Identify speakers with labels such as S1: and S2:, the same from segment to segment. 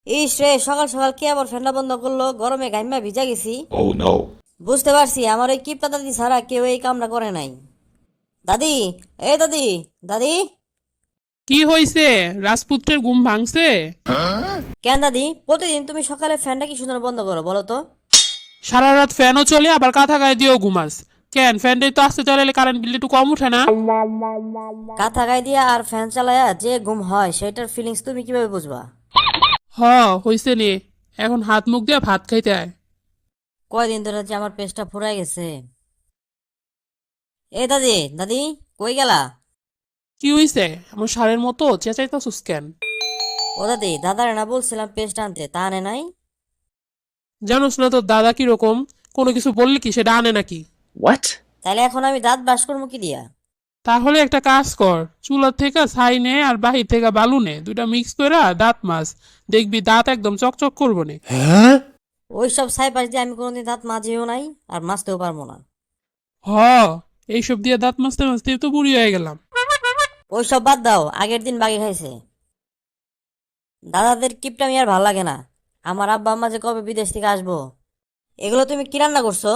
S1: ইস রে, সকাল সকাল কে আবার ফ্যানটা বন্ধ করলো? গরমে গাইমা ভিজা গেছি।
S2: Oh no.
S1: বুঝতে পারছি আমার ওই কিপটা দাদি ছাড়া কেউ এই কামটা করে নাই। দাদি, এ দাদি, দাদি।
S3: কি হইছে? রাজপুত্রের ঘুম ভাঙছে?
S1: কেন দাদি, প্রতিদিন তুমি সকালে ফ্যানটা কি সুন্দর বন্ধ করো বলো তো?
S3: সারা রাত ফ্যানও চলে, আবার কাঁথা গায়ে দিয়েও ঘুমাস। কেন, ফ্যানটাই তো আসতে চালাইলে কারেন্ট বিল একটু কম উঠে না?
S1: কাঁথা গায়ে দিয়া আর ফ্যান চালায়া যে ঘুম হয় সেটার ফিলিংস তুমি কিভাবে বুঝবা?
S3: হ, হইছে নে। এখন হাত মুখ দিয়ে ভাত খাইতে আয়।
S1: কয়দিন ধরে যে আমার পেটটা ফুরাই গেছে। এ দাদি, দাদি, কই গেলা?
S3: কি হইছে? এমন সারের মতো চেঁচাইতাছুস কেন?
S1: ও দাদি, দাদারে না বলছিলাম পেস্ট আনতে, তা আনে নাই?
S3: জানোস না তোর দাদা কিরকম? কোনো কিছু বললি কি সেটা আনে নাকি?
S2: What?
S1: তাহলে এখন আমি দাঁত ব্রাশ করবো কি দিয়া?
S3: তাহলে একটা কাজ কর, চুলার থেকে ছাই নে আর বাহির থেকে বালু নে, দুইটা মিক্স করে দাঁত মাছ। দেখবি দাঁত একদম চকচক করবো নে।
S1: ওইসব ছাইপাশ দিয়ে আমি কোনোদিন দাঁত মাজিও নাই, আর মাজতেও পারবো না।
S3: হ, এইসব দিয়ে দাঁত মাজতে মাজতে তো বুড়ি হয়ে গেলাম।
S1: ওইসব বাদ দাও, আগের দিন বাগে খাইছে। দাদাদের কিপটামি আর ভাল লাগে না। আমার আব্বা আম্মা যে কবে বিদেশ থেকে আসবো। এগুলো তুমি কি রান্না করছো?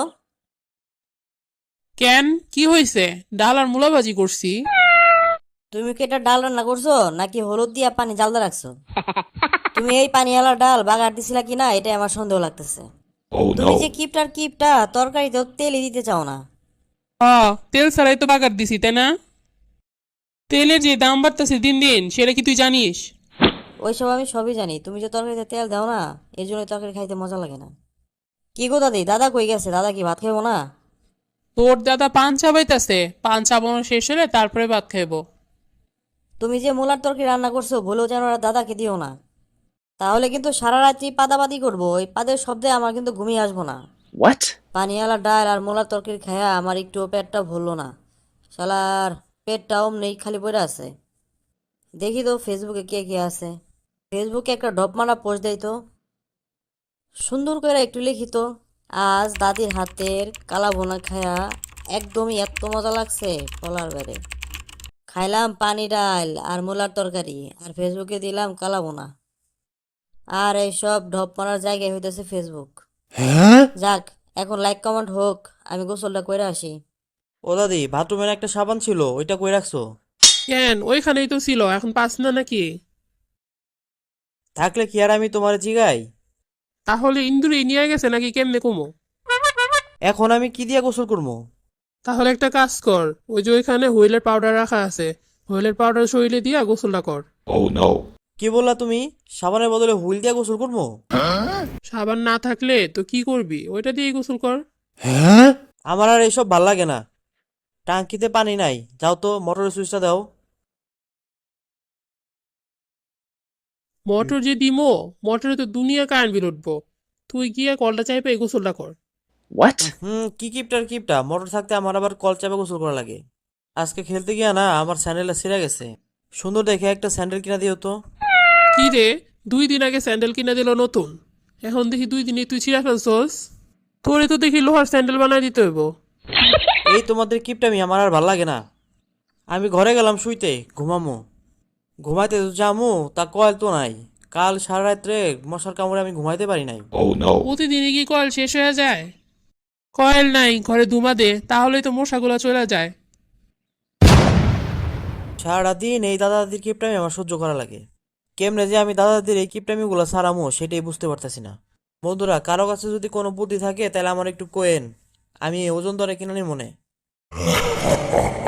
S3: কেন, কি হয়েছে? ডাল আর মূলা ভাজি করছি।
S1: তুমি কি এটা ডাল রান্না করছো নাকি হলুদ দিয়া পানি জালদা রাখছো? তুমি এই পানিওয়ালা ডাল বাগার দিছিলা কিনা এটাই আমার সন্দেহ লাগতেছে।
S2: Oh
S1: তুমি
S2: no.
S1: যে কিপটার কিপটা তরকারিতেও তেলই দিতে চাও না।
S3: হ, তেল ছাড়াই তো বাগার দিছি, তাই না? তেলের যে দাম বাড়তেছে দিন দিন, সেটা কি তুই জানিস?
S1: ওইসব আমি সবই জানি, তুমি যে তরকারিতে তেল দাও না, এই জন্য তরকারি খাইতে মজা লাগে না। কি গো দাদি, দাদা কই গেছে? দাদা কি ভাত খাইবো না?
S3: তোর দাদা পান চাবাইতাছে, পান চাবানো শেষ হলে তারপরে ভাত খাইবো।
S1: তুমি যে মূলার তরকারি রান্না করছো ভুলেও যেন ওরা দাদাকে দিও না। তাহলে কিন্তু সারা রাত্রি পাদাপাদি করবো, ওই পাদের শব্দে আমার কিন্তু ঘুমিয়ে আসবো না।
S2: What?
S1: পানিওয়ালা ডাল আর মোলার তরকারি খায়া আমার একটু পেটটা ভরলো না। শালার পেটটা অমনি খালি পড়ে আছে। দেখি তো ফেসবুকে কে কে আছে। ফেসবুকে একটা ডপ মারা পোস্ট দেয় তো, সুন্দর করে একটু লিখি তো। আজ দাদির হাতের কালা ভুনা খায়া একদমই এত মজা লাগছে বলার বাইরে। খাইলাম পানি ডাল আর মোলার তরকারি, আর ফেসবুকে দিলাম কালা ভুনা। আর এইসব ঢপ মারার জায়গায় হইতেছে ফেসবুক। যাক, এখন লাইক কমেন্ট হোক, আমি গোসলটা কইরা আসি।
S4: ও দাদি, বাথরুমের একটা সাবান ছিল, ওইটা কই রাখছো?
S3: কেন, ওইখানেই তো ছিল, এখন পাস না নাকি?
S4: থাকলে কি আর আমি তোমার জিগাই?
S3: তাহলে ইন্দুরি নিয়ে গেছে নাকি, কেমনে কমো?
S4: এখন আমি কি দিয়া গোসল করবো?
S3: তাহলে একটা কাজ কর, ওই যে ওইখানে হুইলের পাউডার রাখা আছে, হুইলের পাউডার শরীরে দিয়া গোসলটা কর।
S2: Oh no.
S4: কি বললা তুমি? সাবানের বদলে হুইল দিয়া গোসল করবো?
S3: সাবান না থাকলে তো কি করবি, ওইটা দিয়েই গোসল কর।
S4: আমার আর এইসব ভাল লাগে না। টাঙ্কিতে পানি নাই, যাও তো মোটরের সুইচটা দাও।
S3: মোটর যে দিমো, মোটরে তো দুনিয়া কারেন্ট বিল উঠবো। তুই গিয়ে কলটা চাইপে এই গোসলটা কর।
S2: What?
S4: কি কিপটার কিপটা, মোটর থাকতে আমার আবার কল চাপে গোসল করা লাগে। আজকে খেলতে গিয়া না আমার স্যান্ডেলটা ছিঁড়ে গেছে। সুন্দর দেখে একটা স্যান্ডেল কিনা দিও তো।
S3: কি রে, 2 দিন আগে স্যান্ডেল কিনে দিল নতুন, এখন দেখি 2 দিনে তুই ছিঁড়া ফেলছস? তোরে তো দেখি লোহার স্যান্ডেল বানাই দিতে হইব।
S4: এই তোমাদের কিপটামি আমার আর ভাল লাগে না। আমি ঘরে গেলাম শুইতে, ঘুমামো। ঘুমাইতে তো যামু, তা কয়েল তো নাই। কাল সারা রাত্রে মশার কামড়ে আমি ঘুমাইতে পারি নাই।
S2: Oh no.
S3: প্রতিদিনই কি কয়েল শেষ হয়ে যায়? কয়েল নাই ঘরে, ধুমা দে, তাহলেই তো মশাগুলো চলে যায়।
S4: সারাদিন এই দাদা দাদির কিপটামি আমার সহ্য করা লাগে। কেমনে যে আমি দাদা দাদির এই কিপটামি গুলো সারামো সেটাই বুঝতে পারতেছি না। বন্ধুরা, কারো কাছে যদি কোনো বুদ্ধি থাকে তাহলে আমার একটু কোয়েন, আমি ওজন দরে কিনে নিই মনে।